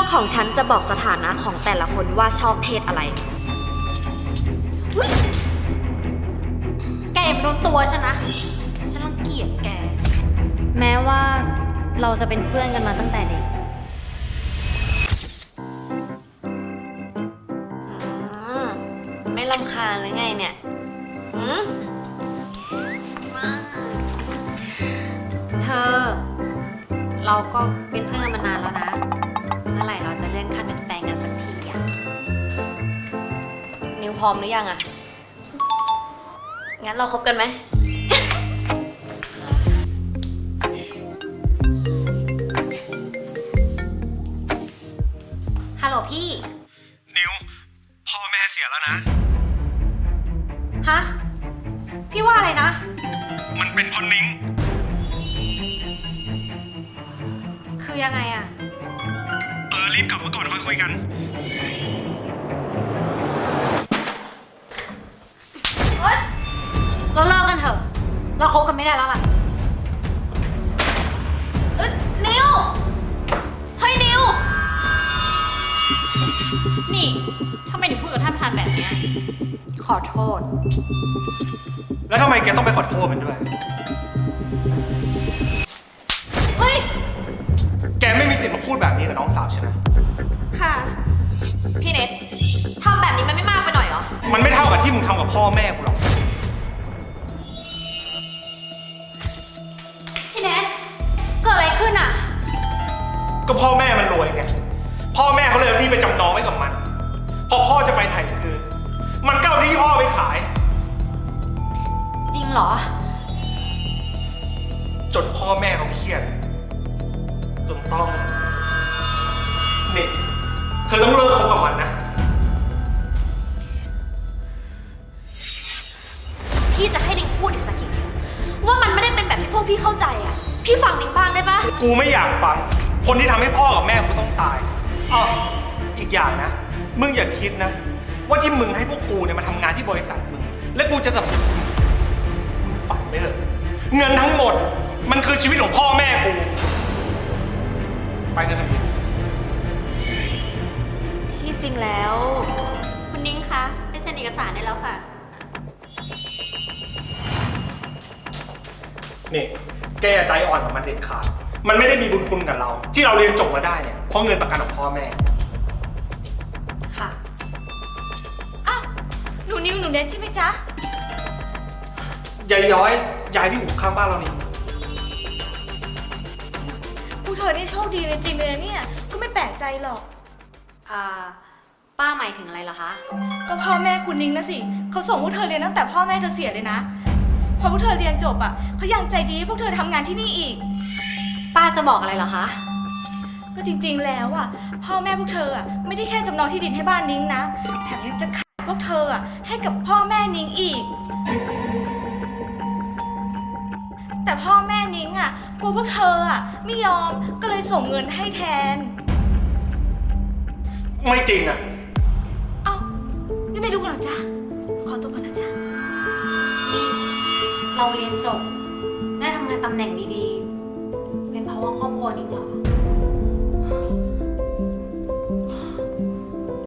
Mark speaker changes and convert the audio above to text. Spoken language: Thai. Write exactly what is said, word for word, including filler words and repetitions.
Speaker 1: ของฉันจะบอกสถานะของแต่ละคนว่าชอบเพศอะไรแกเอ็มโดนตัวฉันนะฉันรังเกียจแกแม้ว่าเราจะเป็นเพื่อนกันมาตั้งแต่เด็กไม่รำคาญหรือไงเนี่ยหืมเธอเราก็เป็นเพื่อนกันมานานแล้วนะเมื่อไหร่เราจะเลื่อนขั้นเป็นแฟนกันสักทีอะนิวพร้อมหรือยังอะงั้นเราคบกันไหม ฮัลโหลพี่
Speaker 2: นิวพ่อแม่เสียแล้วนะ
Speaker 1: ฮะพี่ว่าอะไรนะ
Speaker 2: มันเป็นเพราะนิ้ง
Speaker 1: คือยังไงอะ
Speaker 2: เออรีบกลับมาก่อนค่อยคุยกัน
Speaker 1: เฮ้ยเราเลิกกันเถอะเราคบกันไม่ได้แล้วล่ะเอ้ยนิวเฮ้ยนิว
Speaker 3: นี่ทำไมถึงพูดกับท่านประธานแบบนี้
Speaker 1: ขอโทษ
Speaker 2: แล้วทำไมแกต้องไปขอโทษมันด้วย
Speaker 1: เฮ้ย
Speaker 2: แกไม่มีสิทธิ์มาพูดแบบนี้กับน้องสาวใช่ไหม
Speaker 3: ค่ะ
Speaker 1: พี่เน็ตทำแบบนี้มันไม่มากไปหน่อยเหรอ
Speaker 2: มันไม่เท่ากับที่มึงทำกับพ่อแม่กูหรอก
Speaker 1: พี่เน็ตเกิดอะไรขึ้นอ่ะ
Speaker 2: ก็พ่อแม่มันรวยไงพ่อแม่เขาเลยเอาที่ไปจำนองไว้กับมันพอพ่อจะไปไถ่คืนมันก็เอาที่พ่อไปขาย
Speaker 1: จริงเหรอ
Speaker 2: จนพ่อแม่เขาเครียดจนต้องนี่เธอต้องเลิกคบกับมันนะ
Speaker 1: พี่จะให้ดิ้งพูดอีกสักทีว่ามันไม่ได้เป็นแบบที่พวกพี่เข้าใจอ่ะพี่ฟังดิ้งบ้างได้ปะ
Speaker 2: กูไม่อยากฟังคนที่ทำให้พ่อกับแม่กูต้องตายอ๋ออีกอย่างนะมึงอย่าคิดนะว่าที่มึงให้พวกกูเนี่ยมาทำงานที่บริษัทมึงและกูจะสับมึงฝันไปเถอะเงินทั้งหมดมันคือชีวิตของพ่อแม่กูไปกันเถอะ
Speaker 1: ที่จริงแล้ว
Speaker 3: คุณนิ้งคะได้เซ็นเอกสารได้แล้วค่ะ
Speaker 2: นี่แกใจอ่อนกับมันเด็ดขาดมันไม่ได้มีบุญคุณกับเราที่เราเรียนจบมาได้เนี่ยเพราะเงินประกันของพ่อแม่
Speaker 1: ค่ะ
Speaker 3: อ้าวหนูนิวหนูเน็ตใช่ไหมจ๊ะ
Speaker 2: ยายย้อยยายที่อยู่ข้างบ้านเรานี่
Speaker 3: พวกเธอนี่โชคดีเลยจริงเลยเนี่ยก็ไม่แปลกใจหรอก
Speaker 1: อ่าป้าหมายถึงอะไรเหรอคะ
Speaker 3: ก็พ่อแม่คุณนิ้งนะสิเขาส่งพวกเธอเรียนตั้งแต่พ่อแม่เธอเสียเลยนะพอพวกเธอเรียนจบอ่ะเขายังใจดีพวกเธอทำงานที่นี่อีก
Speaker 1: ป้าจะบอกอะไรเหรอคะ
Speaker 3: ก็จริงๆแล้วอ่ะพ่อแม่พวกเธออ่ะไม่ได้แค่จำนองที่ดินให้บ้านนิ้งนะแถมยังจะขายพวกเธออ่ะให้กับพ่อแม่นิ้งอีกแต่พ่อแม่นิ้งอ่ะกลัวพวกเธออ่ะไม่ยอมก็เลยส่งเงินให้แทน
Speaker 2: ไม่จริงอ่ะ
Speaker 3: เอ้านี่ไม่รู้กันหรอจ๊ะขอตัวก่อนนะจ๊ะ
Speaker 1: นี่เราเรียนจบได้ทำงานตำแหน่งดีๆเป็นเพราะว่าครอบครัวนิ้งเหรอ